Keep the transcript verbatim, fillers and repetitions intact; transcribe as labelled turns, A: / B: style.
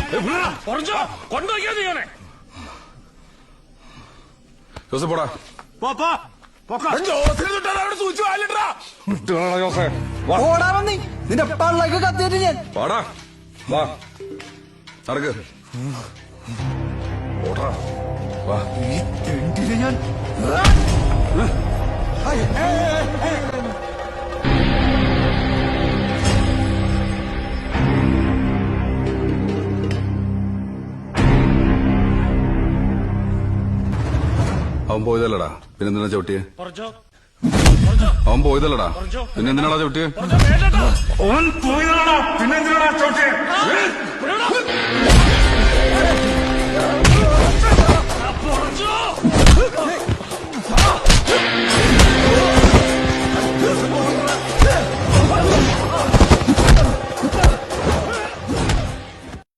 A: കൊണ്ടുപോയിക്കാ നീ
B: ജോസഫ് പോടാ.
C: നിന്റെ പള്ളക്ക് കത്തിയിട്ട് ഞാൻ
B: പാടാ വാ നടക്ക് ഓടാ വാ.
C: ഈ തെണ്ടിനെ ഞാൻ
B: അവൻ പോയതല്ലടാ പിന്നെന്തിനാ ചവിട്ടിയെ? അവൻ പോയതല്ലടാ പിന്നെന്തിനാടാ ചവിട്ടിയെ?
A: ഓൻ പോയതാടാ പിന്നെന്തിനാടാ ചവിട്ടിയെ?
B: ¡Por